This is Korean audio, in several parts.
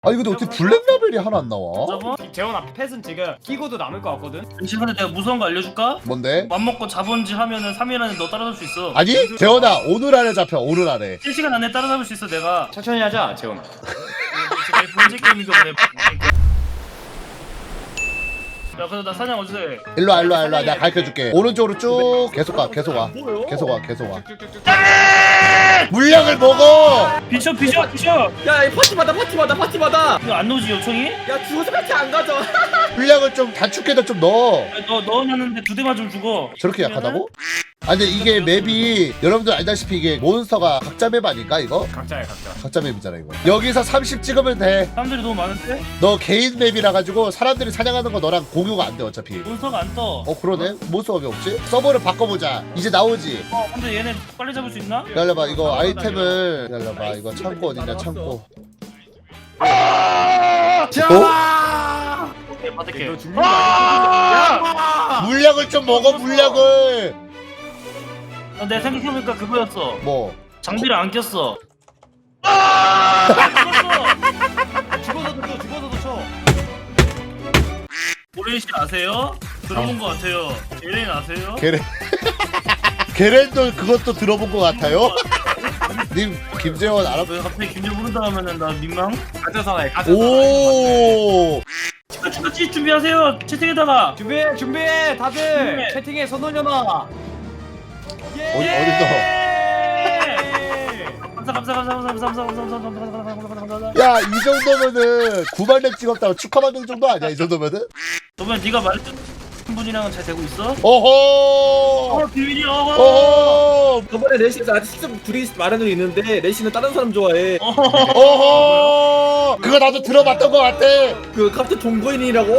아니 근데 어떻게 블랙 라벨이 하나 안 나와? 저번 재원아 펫은 지금 끼고도 남을 것 같거든. 시간에 내가 무서운 거 알려줄까? 뭔데? 맘먹고 자본질 하면은 3일 안에 너 따라잡을 수 있어. 아니 재원아 오늘 안에 잡혀 오늘 안에. 1시간 안에 따라잡을 수 있어 내가. 천천히 하자 재원. 지금 번째 게임인가 보네. 야 그래서 나 사냥 어디서 해? 일로와 내가 가르쳐줄게. 오른쪽으로 쭉 계속 와 물약을 먹어. 비춰. 야, 이 파티 받아. 이거 안 넣어지 요청이? 야, 죽어서 파티 안 가져. 물약을 좀 단축해서 좀 넣어. 너 넣어놨는데 2대만 좀 죽어. 저렇게 약하다고? 아 근데 이게 맵이 여러분들 알다시피 이게 몬스터가 각자 맵 아닐까 이거? 각자야 각자. 각자 맵이잖아 이거. 여기서 30 찍으면 돼. 사람들이 너무 많은데? 너 개인 맵이라 가지고 사람들이 사냥하는 거 너랑 공유가 안 돼 어차피. 몬스터가 안 떠. 그러네. 몬스터가 왜 없지? 서버를 바꿔보자. 이제 나오지. 근데 얘네 빨리 잡을 수 있나? 기다려봐 이거 아이템을 기다려봐 이거 창고 어디냐 창고. 자! 오케이 받을게. 너 죽는 거 아니야? 물약을 좀 먹어 물약을. 내 생각해보니까 그거였어. 뭐? 장비를 안 꼈어. 죽어서도 쳐. 오레이씨 아세요? 들어본 거 같아요. 제레인 아세요? 게렌도 그것도 들어본 것 같아요. 님 김재원 알아? 왜 갑자기 김정 부른다 하면은 나 민망? 가짜 사나이 가짜. 오. 같이 준비하세요. 채팅에다가. 준비해 다들. 네. 채팅에 손 올려놔. 어디서? 감사. 야 이 정도면은 9만렙 찍었다고 축하받는 정도 아니야 이 정도면은? 그러면 네가 말했던 분이랑은 잘 되고 있어? 어허. 비밀이야. 어허. 저번에 레시가 아직 직접 둘이 말한 적이 있는데 레시는 다른 사람 좋아해. 어허. 그거 나도 들어봤던 것 같아. 그 캡틴 동거인이라고.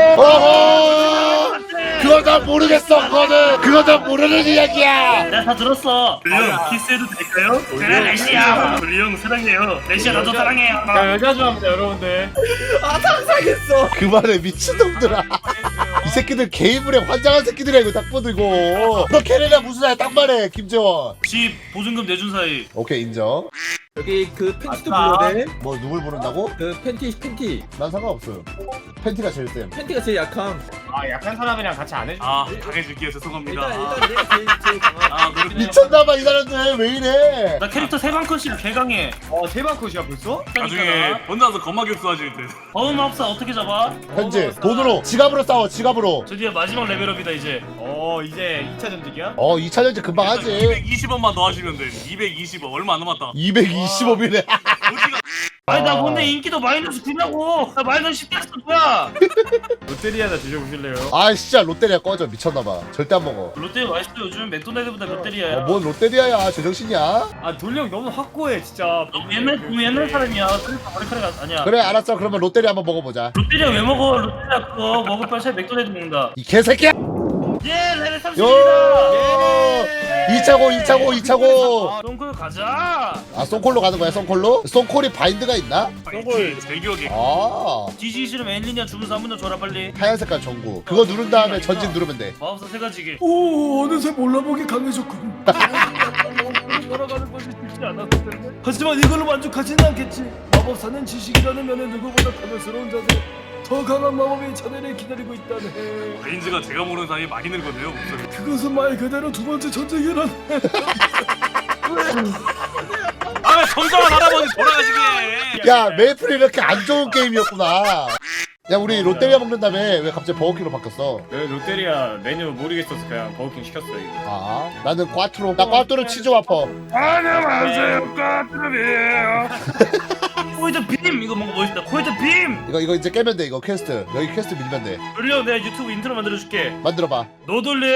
어허. 그거 나 모르겠어 그거는. 그거 나 모르는 이야기야. 내가 다 들었어. 불령 키스해도 될까요? 그래 레시야. 불령 사랑해요. 레시야 나도 사랑해요. 야 여자 좋아합니다 여러분들. 아 상상했어. 그만해 미친놈들아. 이 새끼들 게임물에 환장한 새끼들이야 이거 딱 보도 이거. 너 걔네랑 무슨 사이야 딱 말해 김재원. 집 보증금 내준 사이. 오케이 인정. 여기 그 팬티도 아싸. 불러야 돼. 뭐 누굴 부른다고? 그 팬티. 난 상관없어요. 팬티가 제일 쌤. 팬티가 제일 약함. 아 약한 사람이랑 같이 안 해줘. 당해줄게요. 죄송합니다. 일단 내가 제일 강한. 미쳤나봐 이 사람들 왜 이래. 나 캐릭터 3방컷씩 개강해. 대박 컷이야 벌써? 나중에 혼자서 겁마 격수하실 때 어음합사 어떻게 잡아? 현재 돈으로 지갑으로 싸워 지갑으로. 드디어 마지막 레벨업이다 이제. 이제 2차 전직이야? 2차 전지 금방 하지. 220원만 더 하시면 돼. 220원 얼마 안 남았다. 225이네. 아니 나 근데 인기도 마이너스 9냐고. 나 마이너스 10 됐어 뭐야? 롯데리아나 드셔보실래요? 아 진짜 롯데리아 꺼져 미쳤나봐. 절대 안 먹어. 롯데 맛있어 요즘 맥도날드보다 롯데리아야. 뭔 롯데리아야 제정신이야? 아 돌령 너무 확고해 진짜. 너무 옛날 사람이야. 그러니까 머리카락 아니야. 그래 알았어 그러면 롯데리아 한번 먹어보자. 롯데리아 왜 먹어? 롯데리아 그거 먹을 바에 차라리 맥도날드 먹는다. 이 개새끼야. 예 레벨 요 30입니다. 2차고 똥콜 가자. 아 송콜로 가는 거야 송콜로? 송콜이 바인드가 있나? 제 기억에 아 뒤지기 싫으면 엔리니아 주문서 한 번 더 줘라 빨리. 하얀 색깔 전구 그거 누른 다음에 전진 누르면 돼. 마법사 3가지기. 오 어느새 몰라보기 강해졌군. 돌아가는 것이 쉽지 않았을 텐데. 하지만 이걸로 만족하지는 않겠지. 마법사는 지식이라는 면에 누구보다 가면스러운 자세. 더 강한 마법이 자네를 기다리고 있다네. 레인지가 제가 모르는 사이에 많이 늙었네요 목소리. 그것은 말 그대로 두 번째 전쟁이란. 아 점점한 할아버지 돌아가시게. 야 메이플이 이렇게 안 좋은 게임이었구나. 야 우리 롯데리아 먹는다며 왜 갑자기 버거킹으로 바뀌었어? 롯데리아 메뉴 모르겠어서 그냥 버거킹 시켰어 이거. 아 나는 꽈트로. 나 꽈트로 치즈 와퍼. 안녕하세요 까트로비에요. 코이드 빔 이거 뭔가 멋있다. 코이드 빔. 이거 이제 깨면 돼 이거 퀘스트. 여기 퀘스트 밀면 돼. 돌려 내가 유튜브 인트로 만들어줄게. 만들어봐. 노돌리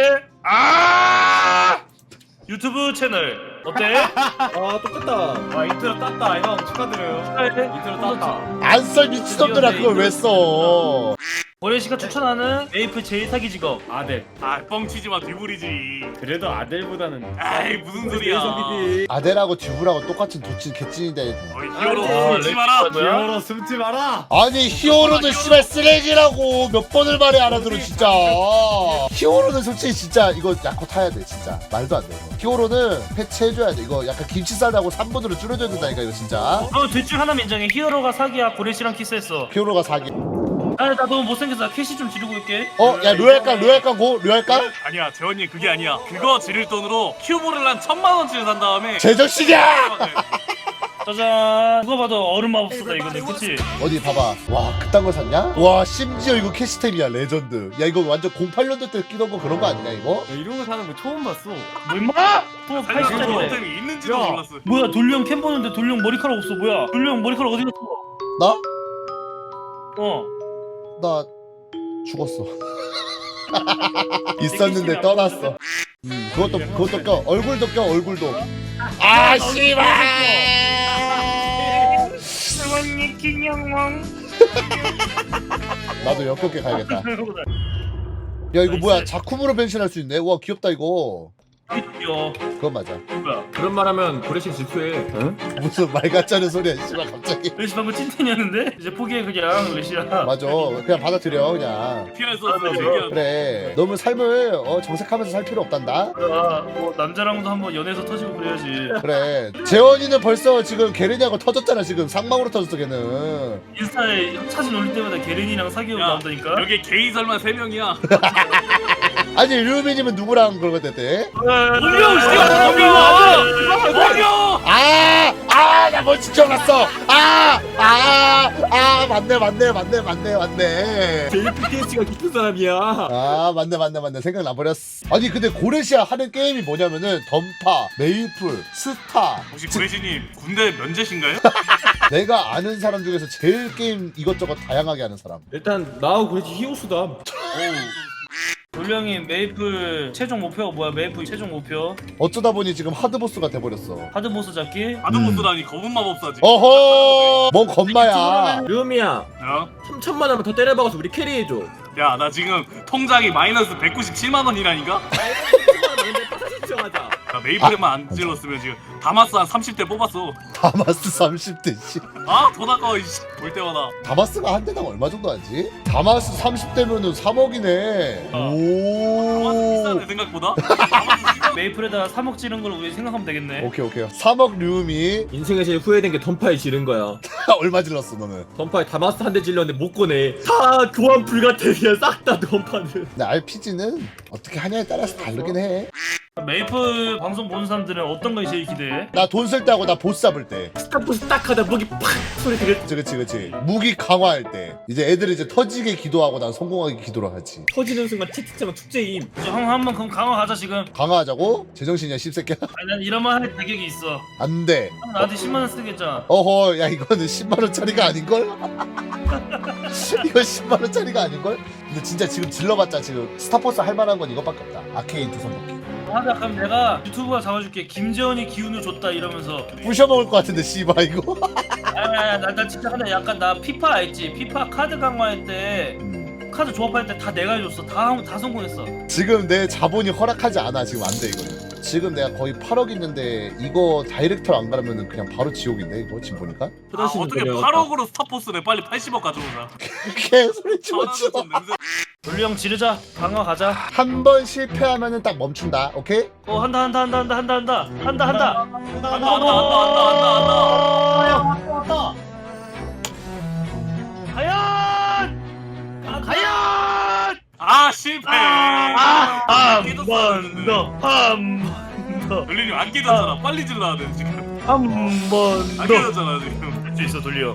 유튜브 채널 어때? 아 똑같다. 인트로 땄다 형 축하드려요. 인트로 땄다. 안 써 미친놈들아 그걸 왜 써? 고래씨가 추천하는 메이플 제일 사기 직업. 아델. 아 뻥치지마 뒤부리지. 그래도 아델보다는 아이 무슨 소리야. 아델하고 듀브라고 똑같은 도친 개찐인데. 어이 히어로 아, 숨지 마라. 히어로 숨지 마라. 아니 히어로는 씨발 쓰레기라고 몇 번을 말해 알아들어 진짜. 히어로는 솔직히 진짜 이거 약코 타야 돼 진짜. 말도 안 돼. 이거. 히어로는 패치해줘야 돼. 이거 약간 김치 싸다고 3분으로 줄여줘야 된다니까 이거 진짜. 둘 중 하나면 인정해. 히어로가 사기야. 고래씨랑 키스했어. 히어로가 사기. 나 너무 못생겨서 캐시 좀 지르고 있게. 야 류할까 고 류할까? 아니야 재원님 그게 아니야. 그거 지를 돈으로 큐브를 한 1000만원치를 산 다음에 제정신이야! 짜잔. 누가 봐도 얼음 마법사다 이거는. 그치? 어디 봐봐. 와 그딴 거 샀냐? 와 심지어 이거 캐시템이야 레전드. 야 이거 완전 08년도 때 끼던 거 그런 거 아니냐 이거? 야, 이런 거 사는 거 처음 봤어. 뭐 임마? 또 살짝 80짜리래. 템이 있는지도 야. 몰랐어. 뭐야 돌령 캠 보는데 돌령 머리카락 없어. 뭐야 돌령 머리카락 어디 갔어? 나? 나 죽었어. 있었는데 떠났어. 그것도 껴. 얼굴도 껴 얼굴도. 아 씨발. 나도 역겹게 가야겠다. 야 이거 뭐야 자쿠무로 변신할 수 있네. 와 귀엽다 이거. 야 그건 맞아. 뭐야? 그런 말하면 고래씨 질투해. 무슨 말 같지 않은 소리야 씨발 갑자기. 레시 방금 찐텐이었는데 이제 포기해 그냥 레시야. 맞아. 그냥 받아들여 그냥. 피할 수 없어 얘기야. 그래. 너무 삶을 정색하면서 살 필요 없단다. 뭐 남자랑도 한번 연애에서 터지고 그래야지. 그래. 재원이는 벌써 지금 게르냐고 터졌잖아 지금. 상망으로 터졌어 걔는. 인스타에 사진 올릴 때마다 게렌이랑 사귀고 야, 나온다니까. 여기 게이 설마 3명이야. 아니 류미님은 누구랑 그런 거 됐대? 분명 씨발 분명. 나 뭔지 기억났어. 맞네. JPTS가 깊은 사람이야. 맞네. 생각나버렸어. 아니 근데 고레시아 하는 게임이 뭐냐면은 던파, 메이플, 스타. 혹시 구레시님 군대 면제신가요? 내가 아는 사람 중에서 제일 게임 이것저것 다양하게 하는 사람. 일단 나하고 고래씨 히오수다. 돌령이 메이플 최종 목표가 뭐야? 메이플 최종 목표 어쩌다 보니 지금 하드보스가 돼버렸어. 하드보스 잡기. 아드보스라니 검은 마법사지. 어허, 뭔 겁마야. 류미야, 야, 3천만 원만 더 때려박아서 우리 캐리해줘. 야, 나 지금 통장이 마이너스 197만 원이라니까? 신청하자. 나 메이플에만 안 질렀으면 지금 다마스 한 30대 뽑았어. 다마스 30대 씨. 아, 돈 아까워 이씨. 볼 때마다. 다마스가 한 대당 얼마 정도 하지? 다마스 30대면은 3억이네. 다마스 오. 비싸네 생각보다. 다마스 비싸. 메이플에다 3억 지른 걸 우리 생각하면 되겠네. 오케이. 3억 류미. 인생에 제일 후회된 게 던파에 지른 거야. 얼마 질렀어 너는? 던파에 다마스 한 대 질렀는데 못 꺼내. 다 교환 불가태야 싹 다 던파는. 근데 RPG는 어떻게 하냐에 따라서 다르긴 해. 메이플 방송 보는 사람들은 어떤 걸 제일 기대해? 나 돈 쓸 때 하고 나 보스 잡을 때. 스타포스 딱 하다 무기 팍 소리 들려. 그치. 무기 강화할 때. 이제 애들이 이제 터지게 기도하고 난 성공하게 기도를 하지. 터지는 순간 채팅창은 축제임. 이제 한번 그럼 강화 가자 지금. 강화하자고? 제정신이야 씹새끼야? 아니 난 이런 말 할 자격이 있어. 안 돼. 형 나한테 10만 원 쓰겠잖아. 어허, 야 이거는 10만 원짜리가 아닌걸? 이거 10만 원짜리가 아닌걸? 근데 진짜 지금 질러봤자 지금 스타포스 할 만한 건 이것밖에 없다. 아케인 두 손먹기. 하자 그럼 내가 유튜브가 잡아줄게. 김재원이 기운을 줬다 이러면서. 부셔먹을 것 같은데 씨발 이거. 아야 나 진짜 하나 약간 나 피파 알지? 피파 카드 강화할 때 카드 조합할 때 다 내가 해줬어. 다 성공했어. 지금 내 자본이 허락하지 않아. 지금 안 돼 이거는. 지금 내가 거의 8억 있는데 이거 다이렉터 안 가려면 그냥 바로 지옥인데 이거 지금 보니까. 아, 어떻게 8억으로 스타포스네. 빨리 80억 가져오자. 개소리 치워치워. 좀 냄새. 돌령 지르자. 강화 가자. 한 번 실패하면은 딱 멈춘다. 오케이? 한다. 한다. 과연! 아, 실패. 한 번 더. 돌리님 안 깨졌잖아. 빨리 질러야 돼 지금. 한 번 안 더. 깨졌잖아 지금. 할 수 있어 돌려.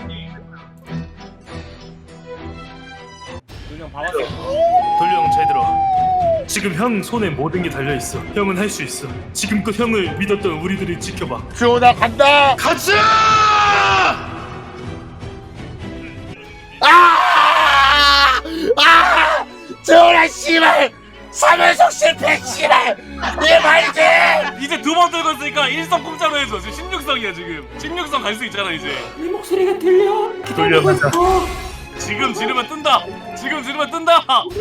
그냥 봐봤어. 돌령 잘 들어. 지금 형 손에 모든 게 달려 있어. 형은 할 수 있어. 지금껏 형을 믿었던 우리들을 지켜봐. 주호나 간다. 가자! 주호나 씨발. 3연속 실패 씨발. 이 말이지. 이제 두 번 들고 있으니까 1성 공짜로 해줘. 지금 16성이야 지금. 16성 갈 수 있잖아 이제. 돌려 가자. 지금 지르면 뜬다. 지금 지르면 뜬다.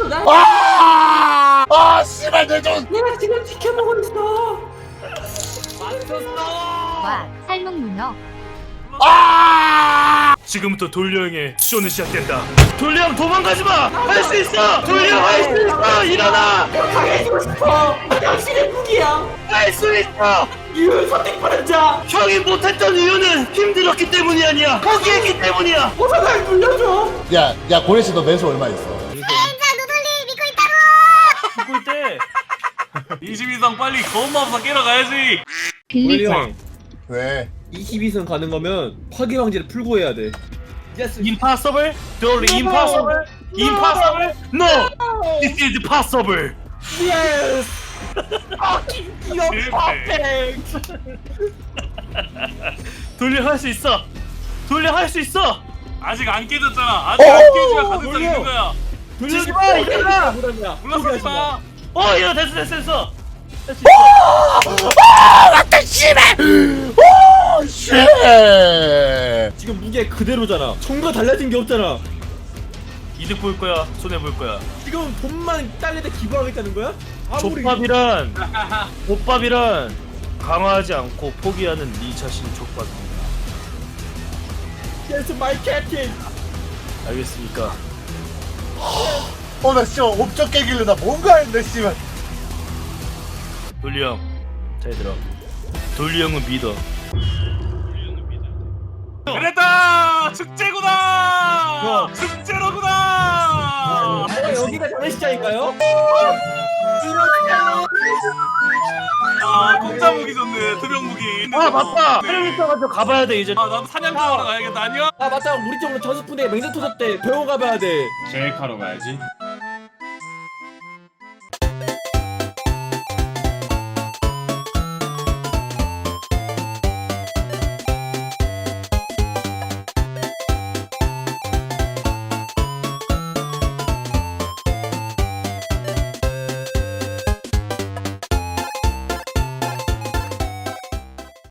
아 씨발 내 돈. 내가 지금 지켜보고 있어. 와, 삶은 문어. 아 지금부터 돌려형의 쇼는 시작된다. 돌려형 도망가지 마. 할 수 있어. 돌려형 할 수 있어. 일어나. 강해지고 싶어. 당신의 무기야. 할 수 있어. 이걸 선택받은 자. 형이 못했던 이유는 힘들었기 때문이 아니야. 포기했기 때문이야. 어서 날 불려줘. 야 고래씨 너 매수 얼마 있어? 죽을 때 22성 빨리 거운마법사 깨러 가야지. 원리 형 왜? 22선 가는 거면 파괴 황제를 풀고 해야 돼. impossible. Totally impossible. Impossible. No. This is possible. Yes. 실패. 돌려 할 수 있어. 돌려 할 수 있어. 아직 안 깨졌잖아. 아직 안 깨져야 가능성 있는 거야. 지지 마. 일어나. 물러서지 마. 이거 됐어. 맞다 씨발. 오 씨. 지금 무게 그대로잖아. 총과 달라진 게 없잖아. 이득 볼 거야. 손해 볼 거야. 지금 돈만 딸려대 기부하겠다는 거야? 아무리 족밥이란 강화하지 않고 포기하는 네 자신 족밥입니다. Yes, my captain. 알겠습니까? 어나 씨발 옵적 깨길래 나 뭔가 했네 씨발. 돌리 형, 잘 들어. 돌리 형은 믿어. 그랬다. 축제구나. 축제로구나. 여기가 장례식장인가요? 아 공짜 무기 좋네. 투명 무기. 아 맞다. 헬리콥터 가봐야 돼 이제. 아 나도 사냥감하러 가야겠다. 안녕. 아 맞다. 우리 쪽으로 전수분대 맹세 터졌대. 병원 가봐야 돼. 제일 하러 가야지.